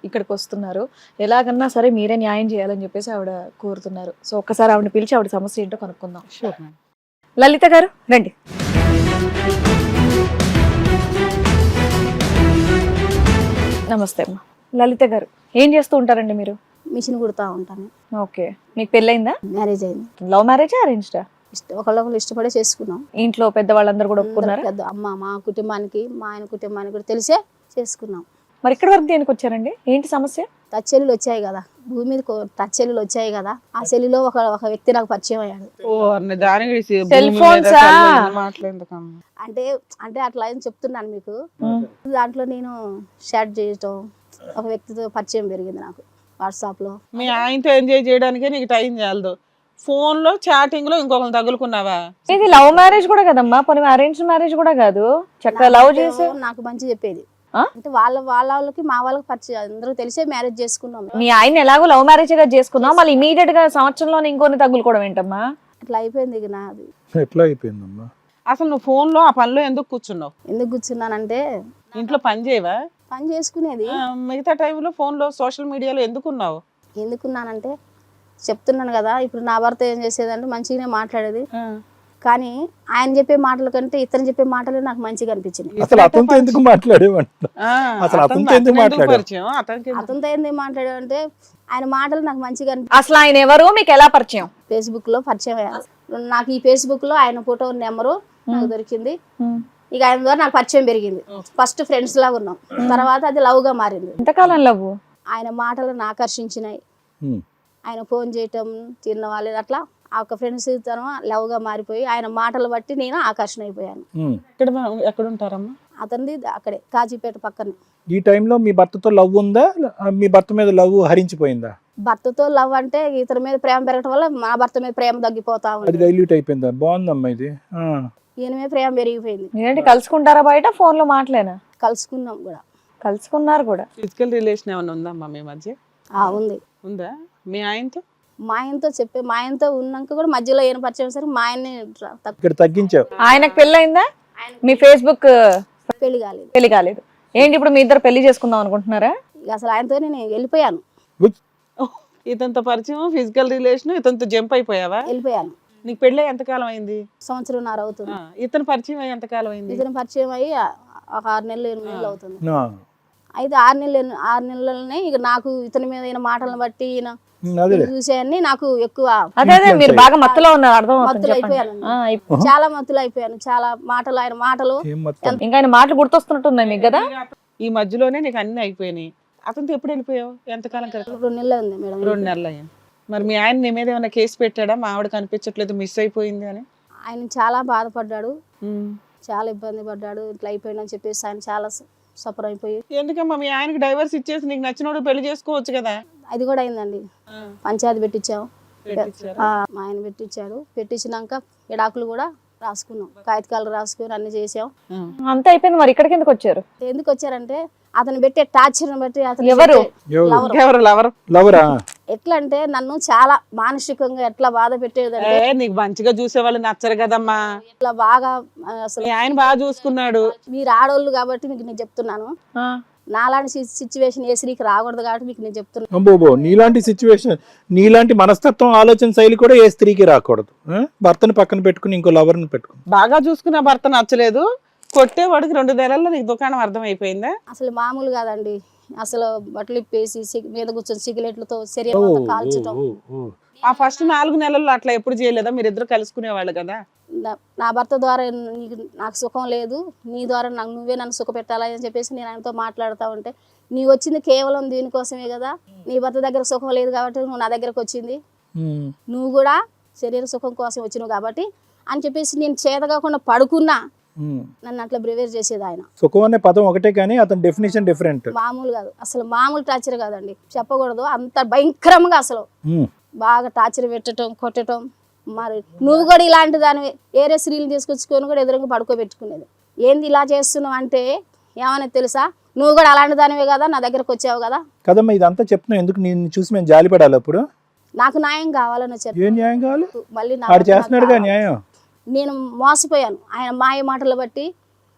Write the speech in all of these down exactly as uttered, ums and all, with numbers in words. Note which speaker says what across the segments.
Speaker 1: ఇక్కడికి వస్తున్నారు, ఎలాగన్నా సరే మీరే న్యాయం చేయాలని చెప్పేసి ఆవిడ కోరుతున్నారు. సో ఒక్కసారి ఆవిడని పిలిచి ఆవిడ సమస్య ఏంటో కనుక్కుందాం.
Speaker 2: Sure madam.
Speaker 1: లలిత గారు రండి. నమస్తే అమ్మా. లలిత గారు ఏం చేస్తూ ఉంటారండి మీరు?
Speaker 3: మిషన్ కుడతా ఉంటాను.
Speaker 1: ఓకే, మీకు పెళ్ళయిందా?
Speaker 3: మ్యారేజ్ అయింది.
Speaker 1: లవ్ మ్యారేజా అరేంజ్డా?
Speaker 3: ఇష్టం ఒకళ్ళొకళ్ళు ఇష్టపడే చేసుకున్నాం.
Speaker 1: ఇంట్లో పెద్దవాళ్ళందరూ కూడా ఒప్పుకున్నారా?
Speaker 3: పెద్ద అమ్మ మా కుటుంబానికి మా ఆయన కుటుంబానికి కూడా తెలిసే చేసుకున్నాం.
Speaker 1: మరి ఇక్కడ వరకు దేనికి వచ్చారండి? ఏంటి సమస్య?
Speaker 3: టచ్చెల్లులు వచ్చాయి కదా, భూమి మీద టచ్చెల్లులు వచ్చాయి కదా, ఆ సెల్లులో ఒక ఒక వ్యక్తి నాకు పరిచయం అయ్యాడు.
Speaker 2: ఓ అన్న దానికి
Speaker 1: సెల్ ఫోన్స్
Speaker 2: మాట్లాడేందుకమ్మా.
Speaker 3: అంటే అంటే అట్లా అని చెప్తున్నాను మీకు. దాంట్లో నేను షాట్ చేయటం, ఒక వ్యక్తితో పరిచయం పెరిగింది నాకు వాట్సాప్ లో.
Speaker 2: మీ ఆయనతో ఎంజాయ్ చేయడానికే నీకు టైం చాలదు, ఫోన్ లో చాటింగ్ లో ఇంకొకరు తగులుకున్నావా?
Speaker 1: ఇది లవ్ మ్యారేజ్ కూడా కదమ్మా, పోనీ అరేంజ్ మ్యారేజ్ కూడా కాదు, చక్కగా లవ్ చేసి
Speaker 3: నాకు మంచి చెప్పేది. అంటే వాళ్ళ వాళ్ళ వాళ్ళకి మా వాళ్ళకి పరిచయం, అందరూ తెలిసే మ్యారేజ్ చేసుకున్నాం.
Speaker 1: మీ ఆయన ఎలాగో లవ్ మ్యారేజ్ గా చేసుకున్నాం, మళ్ళీ ఇమీడియట్ గా సంవత్సరంలో ఇంకొని తగులుకోవడం ఏంటమ్మా?
Speaker 3: అట్లా అయిపోయింది ఇక నాది.
Speaker 4: ఎట్లా అయిపోయిందమ్మా?
Speaker 2: అసలు నువ్వు ఫోన్ లో ఆ పనిలో ఎందుకు కూర్చున్నావు?
Speaker 3: ఎందుకు కూర్చున్నానంటే
Speaker 2: ఇంట్లో పని చేయవా?
Speaker 3: పని చేసుకునేది.
Speaker 2: ఆ, మిగతా టైంలో ఫోన్ లో సోషల్ మీడియాలో ఎందుకున్నావు?
Speaker 3: ఎందుకున్నానంటే చెప్తున్నాను కదా, ఇప్పుడు నా భర్త ఏం చేసేదంటే మంచిగానే మాట్లాడేది, కానీ ఆయన చెప్పే మాటల కంటే ఇతను చెప్పే మాటలు నాకు మంచిగా అనిపించింది.
Speaker 4: అసలు అతనితో ఎందుకు మాట్లాడేవంట? అసలు అతనితో ఎందుకు మాట్లాడావు?
Speaker 3: అతనితో ఎందుకు మాట్లాడావంటే ఆయన మాటలు నాకు మంచిగా అనిపించింది.
Speaker 1: అసలు ఆయన ఎవరు, మీకు ఎలా పరిచయం?
Speaker 3: ఫేస్బుక్ లో పరిచయం అయ్యారు నాకు. ఈ ఫేస్బుక్ లో ఆయన ఫోటో నెంబరు నాకు దొరికింది. ఇక ఆయన ద్వారా నాకు పరిచయం పెరిగింది. ఫస్ట్ ఫ్రెండ్స్ లాగా ఉన్నాం, తర్వాత అది లవ్ గా మారింది.
Speaker 1: ఎంతకాలం లవ్?
Speaker 3: ఆయన మాటలను ఆకర్షించినాయి. ఆయన ఫోన్ చేయటం, తిన్న వాళ్ళు అట్లా ఆ ఒక ఫ్రెండ్స్ తను లవ్ గా మారిపోయి ఆయన మాటలు బట్టి నేను ఆకర్షణ అయిపోయాను.
Speaker 2: ఎక్కడ ఎక్కడ ఉంటారమ్మా?
Speaker 3: అతనిది అక్కడే కాజీపేట పక్కనే.
Speaker 4: ఈ టైంలో మీ భర్తతో లవ్ ఉందా? మీ భర్త మీద లవ్ హరించిపోయిందా?
Speaker 3: భర్తతో లవ్ అంటే ఇతని మీద ప్రేమ పెరగడం వల్ల మా భర్త మీద ప్రేమ తగ్గిపోతా
Speaker 4: అది
Speaker 3: ఉంది.
Speaker 4: డైల్యూట్ అయిపోయిందా? బాగుందమ్మా ఇది.
Speaker 3: ఈయన మీద ప్రేమ పెరిగిపోయింది.
Speaker 1: ఏంటి కలుసుకుంటారా బయట, ఫోన్ లో మాటలేనా?
Speaker 3: కలుసుకున్నాం కూడా.
Speaker 1: కలుసుకున్నారు కూడా.
Speaker 2: ఫిజికల్ రిలేషన్ ఏమైనా ఉందమ్మా మీ మధ్య?
Speaker 3: ఆ ఉంది.
Speaker 2: ఉందా? మీ ఆయనతో?
Speaker 3: మా ఆయనతో చెప్పే మా ఆయనతో ఉన్నాక కూడా మధ్యలో ఏం పరిచయం సరే మా ఆయన్ని
Speaker 4: ఇక్కడ తగ్గించావు.
Speaker 1: ఆయనకు పెళ్ళయిందా? మీ ఫేస్బుక్
Speaker 3: పెళ్లి కాలేదు.
Speaker 1: పెళ్లి కాలేదు. ఏంటి ఇప్పుడు మీ ఇద్దరు పెళ్లి చేసుకుందాం అనుకుంటున్నారా?
Speaker 3: ఇక అసలు ఆయనతో నేను వెళ్ళిపోయాను.
Speaker 2: ఇతనితో పరిచయం, ఫిజికల్ రిలేషన్, ఇతనితో జంప్ అయిపోయావా?
Speaker 3: వెళ్ళిపోయాను.
Speaker 2: నీకు పెళ్ళి ఎంతకాలం అయింది?
Speaker 3: సంవత్సరంన్నర అవుతుంది.
Speaker 2: ఇతను పరిచయం అయ్యి ఎంతకాలం అయింది?
Speaker 3: ఇతను పరిచయం అయ్యి ఒక ఆరు నెలలు ఎనిమిది నెలలు అవుతుంది. అయితే ఆరు నెలలు ఆరు నెలలనే ఇక నాకు ఇతని మీద ఈయన మాటలను బట్టి ఈయన చూసేయన్ని నాకు ఎక్కువ
Speaker 1: అదే అదే మీరు బాగా మత్తులో ఉన్నారు, అర్థం
Speaker 3: మత్తులు అయిపోయాను. చాలా మత్తులు అయిపోయాను. చాలా మాటలు ఆయన మాటలు
Speaker 1: ఇంకా ఆయన మాటలు గుర్తొస్తున్నట్టున్నాయి మీకు కదా?
Speaker 2: ఈ మధ్యలోనే నీకు అన్ని అయిపోయినాయి. అతనితో ఎప్పుడు వెళ్ళిపోయావు? ఎంతకాలం?
Speaker 3: రెండు నెలలు ఉంది మేడం.
Speaker 2: రెండు నెలలు అయ్యాయి. మరి మీ ఆయన నీ మీద ఏమైనా కేసు పెట్టాడా? మా ఆవిడ కనిపించట్లేదు, మిస్ అయిపోయింది అని?
Speaker 3: ఆయన చాలా బాధపడ్డాడు, చాలా ఇబ్బంది పడ్డాడు. ఇట్లా అయిపోయిందని చెప్పేసి ఆయన చాలా సఫర్ అయిపోయి.
Speaker 2: ఎందుకమ్మా మీ ఆయనకి డైవర్స్ ఇచ్చేసి నీకు నచ్చినోడు పెళ్లి చేసుకోవచ్చు కదా?
Speaker 3: అది కూడా అయిందండి. పంచాయతీ పెట్టించాం, మా ఆయన పెట్టించాడు. పెట్టించినాక ఎడాకులు కూడా రాసుకున్నాం, కాగితాలు రాసుకుని అన్ని చేసాం.
Speaker 1: అంత అయిపోయింది. మరి ఇక్కడికి ఎందుకు వచ్చారు?
Speaker 3: ఎందుకు వచ్చారంటే అతను పెట్టే టార్చర్ బట్టి అతను
Speaker 1: ఎవరు
Speaker 3: ఎట్లా అంటే నన్ను చాలా మానసికంగా ఎట్లా బాధ పెట్టేదంటే,
Speaker 2: నీకు మంచిగా చూసే వాళ్ళు నచ్చరు కదమ్మా.
Speaker 3: ఇట్లా బాగా అసలు
Speaker 2: ఆయన బాగా చూసుకున్నాడు.
Speaker 3: మీరు ఆడోళ్ళు కాబట్టి మీకు నేను చెప్తున్నాను, నాలాంటి సిచ్యువేషన్ ఏ స్త్రీకి రాకూడదు కాబట్టి మీకు నేను చెప్తున్నాను.
Speaker 4: నీలాంటి సిచ్యువేషన్, నీలాంటి మనస్తత్వం, ఆలోచన శైలి కూడా ఏ స్త్రీకి రాకూడదు. భర్తను పక్కన పెట్టుకుని ఇంకో లవర్ని పెట్టుకుని
Speaker 2: బాగా చూసుకున్న భర్త నచ్చలేదు, కొట్టేవాడికి రెండు నెలల్లో నీకు దుకాణం అర్థం అయిపోయిందా?
Speaker 3: అసలు మామూలు కాదండి. అసలు బట్టలు ఇప్పేసి మీద కూర్చొని సిగరెట్లతో శరీరం కాల్చడం.
Speaker 2: ఆ ఫస్ట్ నాలుగు నెలల్లో అట్లా ఎప్పుడు చేయలేదా? మీరు ఇద్దరు కలుసుకునేవాళ్ళు కదా?
Speaker 3: నా భర్త ద్వారా నీకు నాకు సుఖం లేదు, నీ ద్వారా నాకు నువ్వే నన్ను సుఖ పెట్టాలి అని చెప్పేసి నేను ఆయనతో మాట్లాడుతూ ఉంటే, నీ వచ్చింది కేవలం దీనికోసమే కదా, నీ భర్త దగ్గర సుఖం లేదు కాబట్టి నువ్వు నా దగ్గరకు వచ్చింది, నువ్వు కూడా శరీర సుఖం కోసం వచ్చినావు కాబట్టి అని చెప్పేసి నేను చేత కాకుండా పడుకున్నా నన్ను అట్లా బ్రివేర్ చేసేది ఆయన.
Speaker 4: సుఖం అనే పదం ఒకటే కానీ అతని డెఫినేషన్ డిఫరెంట్.
Speaker 3: మామూలు కాదు, అసలు మామూలు టార్చర్ కాదండి, చెప్పకూడదు. అంత భయంకరంగా అసలు బాగా టార్చర్ పెట్టడం, కొట్టడం. మరి నువ్వు కూడా ఇలాంటి దానివి వేరే స్త్రీలు తీసుకొచ్చుకొని కూడా ఎదురుగా పడుకోబెట్టుకునేది. ఏంది ఇలా చేస్తున్నావు అంటే ఏమని తెలుసా, నువ్వు కూడా అలాంటి దానివే కదా, నా దగ్గరకు వచ్చావు కదా.
Speaker 4: కదమ్మా ఇదంతా చెప్తున్నావు ఎందుకు? నేను చూసి మేము జాలిపడాలి. అప్పుడు
Speaker 3: నాకు న్యాయం కావాలని వచ్చారు.
Speaker 4: ఏం న్యాయం కావాలి?
Speaker 3: మళ్ళీ
Speaker 4: చేస్తున్నాడుగా న్యాయం.
Speaker 3: నేను మోసపోయాను ఆయన మాయ మాటలు బట్టి.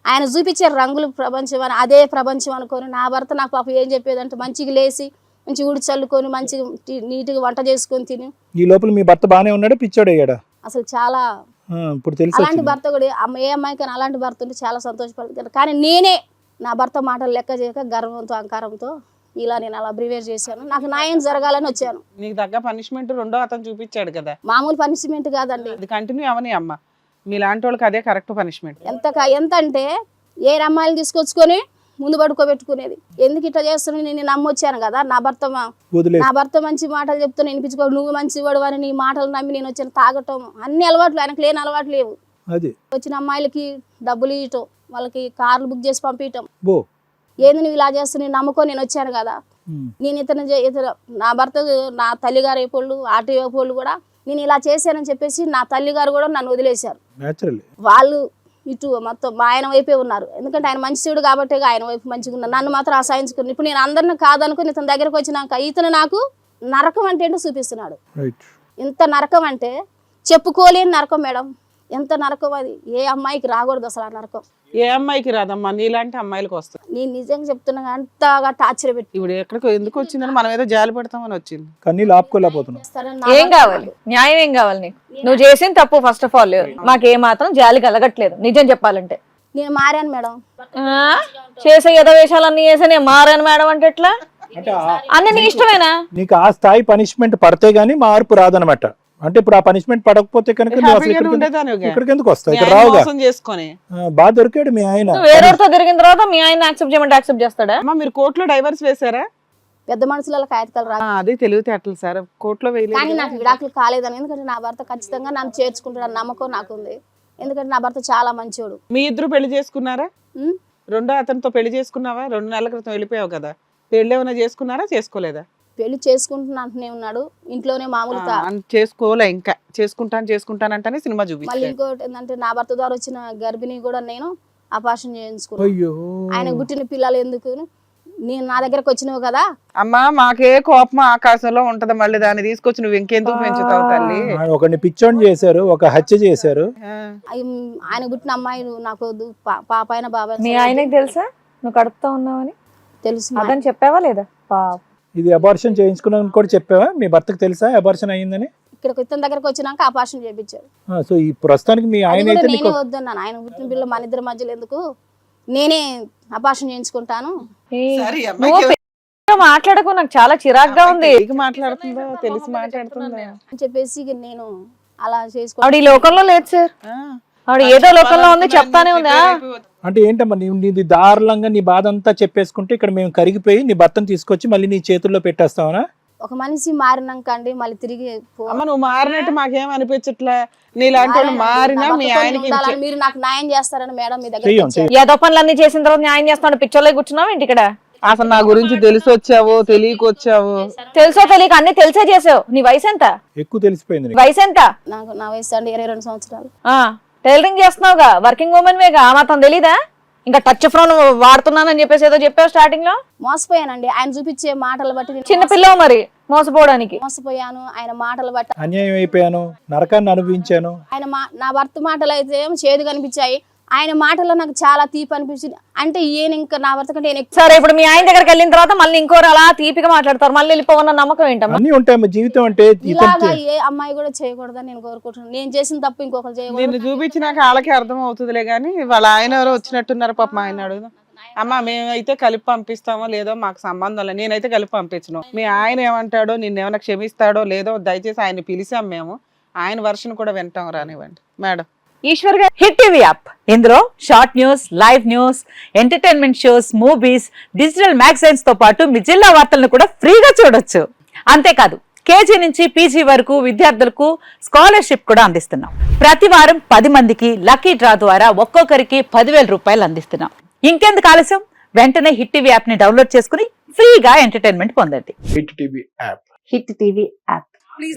Speaker 3: ఆయన చూపించే రంగులు ప్రపంచం అని అదే ప్రపంచం అనుకొని నా భర్త నాకు పాప ఏం చెప్పేదంటే మంచిగా లేచి మంచి ఊడి చల్లుకొని మంచిగా టి- నీట్గా వంట చేసుకొని తిని
Speaker 4: ఈ లోపల మీ భర్త బానే ఉన్నాడు, పిచ్చోడు అయ్యాడా?
Speaker 3: అసలు చాలా
Speaker 4: ఆ, ఇప్పుడు తెలిసి
Speaker 3: అలాంటి
Speaker 4: వచ్చింది.
Speaker 3: భర్త కూడా అమ్మ ఏ అమ్మాయికైనా అలాంటి భర్త ఉంటే చాలా సంతోషపడతాను. కానీ నేనే నా భర్త మాటలు లెక్క చేయక గర్వంతో అహంకారంతో ఇలా నేను అలా బ్రివేర్ చేశాను. నాకు న్యాయం జరగాలని వచ్చాను.
Speaker 2: నీకు తగ్గ పనిష్మెంట్ రెండో అతను చూపించాడు కదా,
Speaker 3: మామూలు పనిష్మెంట్ కాదండి.
Speaker 2: అది కంటిన్యూ అవని అమ్మ. మీలాంటి వాళ్ళకి అదే కరెక్ట్ పనిష్మెంట్.
Speaker 3: ఎంత క- ఎంత అంటే ఏ అమ్మాయిలు తీసుకొచ్చుకొని ముందు పడుకోబెట్టుకునేది. ఎందుకు ఇట్లా చేస్తున్నావు, నేను నమ్మొచ్చాను కదా నా భర్త మా-
Speaker 4: వదిలే
Speaker 3: నా భర్త మంచి మాటలు చెప్తాను వినిపించుకో, నువ్వు మంచి వాడు అని నీ మాటలు నమ్మి నేను వచ్చాను. తాగటం అన్ని అలవాట్లు, ఆయనకు లేని అలవాట్లు లేవు.
Speaker 4: అది
Speaker 3: వచ్చిన అమ్మాయిలకి డబ్బులు ఇవ్వటం, వాళ్ళకి కార్లు బుక్ చేసి పంపించటం.
Speaker 4: బో
Speaker 3: ఏంది నువ్వు ఇలా చేస్తూ నేను నమ్ముకొని నేను వచ్చాను కదా.
Speaker 4: ఉమ్.
Speaker 3: నేను ఇతను చే- ఇతను నా భర్త నా తల్లిగారు అయిపోళ్ళు ఆటో అయిపోళ్ళు కూడా నేను ఇలా చేశానని చెప్పేసి నా తల్లిగారు కూడా నన్ను వదిలేశారు.
Speaker 4: న్యాచురల్లీ
Speaker 3: వాళ్ళు ఇటు మొత్తం మా ఆయన వైపే ఉన్నారు. ఎందుకంటే ఆయన మంచివాడు కాబట్టి ఆయన వైపు మంచిగా ఉన్నారు. నన్ను మాత్రం అసహించుకుని ఇప్పుడు నేను అందరిని కాదనుకుని ఇతని దగ్గరకు వచ్చినాక ఇతను నాకు నరకం అంటే ఏంటో చూపిస్తున్నాడు.
Speaker 4: రైట్.
Speaker 3: ఇంత నరకం అంటే చెప్పుకోలేని నరకం మేడం. ఎంత నరకం అది, ఏ అమ్మాయికి రాకూడదు అసలు ఆ నరకం.
Speaker 2: ఏ అమ్మాయికి రాదమ్మా, నీలాంటి అమ్మాయిలకు వస్తుంది.
Speaker 3: నేను నిజంగా చెప్తున్నా అంతగా టార్చర్ పెట్టి
Speaker 2: ఇప్పుడు ఎక్కడికి ఎందుకు వచ్చిందని మనం ఏదో జాలి పడతామని వచ్చింది.
Speaker 4: కన్నీళ్ళు ఆపుకోలేకపోతున్నాం.
Speaker 3: చేస్తారని నా
Speaker 1: ఏం కావాలి, న్యాయం ఏం కావాలి నీకు? నువ్వు చేసిన తప్పు ఫస్ట్ ఆఫ్ ఆల్ మాకు ఏ మాత్రం జాలి కలగట్లేదు నిజం చెప్పాలంటే.
Speaker 3: నేను మారాను మేడం.
Speaker 1: ఆ? చేసే యథవేషాలన్నీ చేసే నేను మారాను మేడం అంటే ఎట్లా?
Speaker 4: అంటే ఆ-
Speaker 1: అన్ని నీ ఇష్టమేనా?
Speaker 4: నీకు ఆ స్థాయి పనిష్మెంట్ పడితే గానీ మార్పు రాదనమాట. అంటే ఇప్పుడు ఆ పనిష్మెంట్ పడకపోతే కనుక నువ్వు అసలు
Speaker 2: హ్యాపీగానే
Speaker 4: ఇక్కడికి
Speaker 2: ఉండేదానిగా.
Speaker 4: ఇక్కడికి ఎందుకు వస్తావు?
Speaker 2: మీ
Speaker 4: ఇక్కడ
Speaker 2: ఆయన
Speaker 4: రావుగా.
Speaker 2: మోసం చేసుకొని
Speaker 4: ఆ, బాగా దొరికాడు మీ ఆయన.
Speaker 1: నువ్వు వేరేతో తిరిగిన తర్వాత మీ ఆయన యాక్సెప్ట్ చేయమంటే యాక్సెప్ట్ చేస్తాడా?
Speaker 2: అమ్మ మీరు కోర్టులో డైవర్స్ వేసారా?
Speaker 3: పెద్ద మనుషుల కాగితాలు రా
Speaker 2: ఆ, అది తెలివితేటలు సార్, కోర్టులో వేయలేదు.
Speaker 3: కానీ నాకు విడాకులు కాలేదని. ఎందుకంటే నా భర్త ఖచ్చితంగా నన్ను చేర్చుకుంటాడు నమ్మకం నాకుంది. ఎందుకంటే నా భర్త చాలా మంచోడు.
Speaker 2: మీ ఇద్దరు పెళ్లి చేసుకున్నారా?
Speaker 3: ఉం?
Speaker 2: రెండో అతనితో పెళ్లి చేసుకున్నావా? రెండు నెలల క్రితం వెళ్ళిపోయావు కదా, పెళ్లి ఏమైనా చేసుకున్నారా చేసుకోలేదా?
Speaker 3: పెళ్లి చేసుకుంటున్నా అంటూనే ఉన్నాడు. ఇంట్లోనే మామూలు
Speaker 2: ఆ,
Speaker 3: తా-
Speaker 2: అన్- చేసుకోలే ఇంకా, చేసుకుంటాను చేసుకుంటానంటేనే సినిమా
Speaker 3: మళ్ళీ
Speaker 2: చూపించారు.
Speaker 3: ఇంకోటి ఏంటంటే నా భర్త ద్వారా వచ్చిన గర్భిణి కూడా నేను అపార్షన్ చేయించుకున్నాను.
Speaker 4: అయ్యో
Speaker 3: ఆయన పుట్టిన పిల్లలు ఎందుకు నేను నా దగ్గరకు వచ్చినావు కదా.
Speaker 2: అమ్మా మాకే కోపం ఆకాశంలో ఉంటది, మళ్ళీ దాన్ని తీసుకొచ్చి నువ్వు ఇంకెందుకు పెంచుతావు తల్లి?
Speaker 4: ఆ, ఒకరిని పిచ్చోని చేశారు, ఒక హత్య చేశారు.
Speaker 2: ఆ,
Speaker 3: అయి- ఆయన పుట్టిన అమ్మాయి నాకు వద్దు, పా- పాప అయిన బాబాయ్
Speaker 1: నీ ఆయనకి తెలుసా నువ్వు కడుపుతా ఉన్నావని?
Speaker 3: తెలుసు మా-
Speaker 1: అదని చెప్పావా లేదా? పాప
Speaker 4: ఇది అబార్షన్ చేయించుకున్నాను కూడా చెప్పావా? మీ భర్తకు తెలుసా అబార్షన్ అయ్యిందని?
Speaker 3: ఇక్కడికి ఇతని దగ్గరకు వచ్చినాక అపార్షన్ చేయించారు.
Speaker 4: ఆ, సో ఈ ప్రస్తుతానికి మీ
Speaker 3: అది
Speaker 4: ఆయన
Speaker 3: కూడా
Speaker 4: అయితే
Speaker 3: నేనే
Speaker 4: నీకు
Speaker 3: వద్దన్నాను. ఆయన పుట్టిన పిల్లలు మన ఇద్దరి మధ్యలో ఎందుకు, నేనే అపార్షన్ చేయించుకుంటాను.
Speaker 1: ఏయ్,
Speaker 2: సరే, ఈ
Speaker 1: నువ్వు
Speaker 2: అమ్మాయికి
Speaker 1: పెద్దగా మాట్లాడకు, నాకు చాలా చిరాగ్గా ఉంది.
Speaker 2: తెలిసి మాట్లాడుతుందో తెలిసి మాట్లాడుతుందా?
Speaker 3: అని చెప్పేసి ఇక నేను అలా చేసుకో
Speaker 1: ఆవిడ ఈ లోకంలో లేదు సార్,
Speaker 2: ఆ,
Speaker 1: ఆవిడ ఏదో లోకంలో ఉంది చెప్తానే ఉంది. ఆ?
Speaker 4: అంటే ఏంటమ్మా నీవు నీది దారుణంగా నీ బాధ అంతా చెప్పేసుకుంటే ఇక్కడ మేము కరిగిపోయి నీ భర్తను తీసుకొచ్చి మళ్ళీ నీ చేతుల్లో పెట్టేస్తావనా?
Speaker 3: ఒక మనిషి మారినాక అండి మళ్ళీ తిరిగి పో-
Speaker 2: అమ్మ నువ్వు మారినట్టు మాకేం అనిపించట్లే. నీలాంటి వాళ్ళు మారినా
Speaker 3: నా
Speaker 2: మీ
Speaker 3: భర్తతో
Speaker 2: ఆయనకి
Speaker 3: ఉండాలని మీరు నాకు న్యాయం చేస్తారని మేడం మీ దగ్గర
Speaker 4: చెయ్యం చెయ్యం.
Speaker 1: ఏదో పనులన్నీ చేసిన తర్వాత న్యాయం చేస్తున్నాడు, పిచ్చోళ్ళే కూర్చున్నావు ఏంటి ఇక్కడ?
Speaker 2: అసలు నా గురించి తెలిసి వచ్చావు తెలియకొచ్చావు?
Speaker 1: తెలుసో తెలియక అన్ని తెలిసే చేసావు. నీ వయసు ఎంత?
Speaker 4: ఎక్కువ తెలిసిపోయింది నీకు.
Speaker 1: వయసు ఎంత?
Speaker 3: నాకు నా వయసు అండి ఇరవై రెండు సంవత్సరాలు.
Speaker 1: ఆ టైలరింగ్ చేస్తున్నావుగా, వర్కింగ్ ఉమెన్ వేగా, ఆ మాత్రం తెలీదా? ఇంకా టచ్ ఫోన్ వాడుతున్నానని చెప్పేసి ఏదో చెప్పావు స్టార్టింగ్ లో.
Speaker 3: మోసపోయానండి ఆయన చూపించే మాటలు బట్టి నేను
Speaker 1: చిన్న పిల్లవు మరి మోసపోవడానికి.
Speaker 3: మోసపోయాను. ఆయన మాటలు బట్టి
Speaker 4: అన్యాయం అయిపోయాను, నరకాన్ని అనుభవించాను.
Speaker 3: ఆయన మా నా భర్త మాటలు అయితే ఏమో చేదు కనిపించాయి, ఆయన మాటల్లో నాకు చాలా తీపి అనిపించింది. అంటే ఈయన ఇంకా నా భర్త కంటే ఈయన ఎక్కువ
Speaker 1: సరే ఇప్పుడు మీ ఆయన దగ్గరికి వెళ్ళిన తర్వాత మళ్ళీ ఇంకోరు అలా తీపిగా మాట్లాడతారు, మళ్ళీ వెళ్ళిపోవన్న నమ్మకం ఏంటమ్మా?
Speaker 4: అన్ని ఉంటాయమ్మా జీవితం అంటే.
Speaker 3: ఇలాగా
Speaker 4: ఇతను
Speaker 3: ఏ అమ్మాయి కూడా చేయకూడదని నేను కోరుకుంటున్నాను. నేను చేసిన తప్పు ఇంకొకరు చేయకూడదు.
Speaker 2: నిన్ను చూపించినాక వాళ్ళకి అర్థం అవుతుందిలే గానీ వాళ్ళ ఆయన ఎవరో వచ్చినట్టున్నారు పాప. ఆయన అడుగుదాం. అమ్మ మేమైతే కలిపి పంపిస్తామో లేదో మాకు సంబంధం లేదు, నేనైతే కలిపి పంపించను. మీ ఆయన ఏమంటాడో, నిన్ను ఏమైనా క్షమిస్తాడో లేదో దయచేసి ఆయన పిలిచాం మేము, ఆయన వర్షన్ కూడా వింటాం రానివ్వండి మేడం.
Speaker 5: ఈశ్వర్ గారి హిట్ టీవీ యాప్, ఇందులో short news, live news, entertainment shows, movies, digital magazines తో పాటు మీ జిల్లా వార్తలను కూడా ఫ్రీగా చూడొచ్చు. అంతేకాదు కేజీ నుంచి పీజీ వరకు విద్యార్థులకు స్కాలర్షిప్ కూడా అందిస్తున్నాం. ప్రతి వారం పది మందికి లక్కీ డ్రా ద్వారా ఒక్కొక్కరికి పదివేల రూపాయలు అందిస్తున్నాం. ఇంకెందుకు ఆలస్యం, వెంటనే హిట్ టీవీ యాప్ ని డౌన్లోడ్ చేసుకుని ఫ్రీగా ఎంటర్టైన్మెంట్ పొందండి.
Speaker 6: Hit TV app
Speaker 5: hit TV app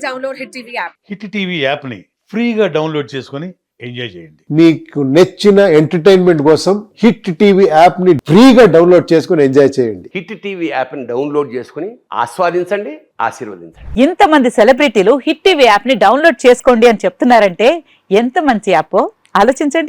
Speaker 6: hit TV యాప్ని ఫ్రీగా డౌన్లోడ్ చేసుకొని ఎంజాయ్ చేయండి.
Speaker 7: మీకు నచ్చిన ఎంటర్టైన్మెంట్ కోసం హిట్ టీవీ యాప్ ని ఫ్రీగా డౌన్లోడ్ చేసుకుని ఎంజాయ్ చేయండి.
Speaker 8: హిట్ టీవీ యాప్ని డౌన్లోడ్ చేసుకుని ఆస్వాదించండి, ఆశీర్వదించండి.
Speaker 5: ఇంతమంది సెలబ్రిటీలు హిట్ టీవీ యాప్ ని డౌన్లోడ్ చేసుకోండి అని చెప్తున్నారంటే ఎంత మంచి యాప్ ఆలోచించండి.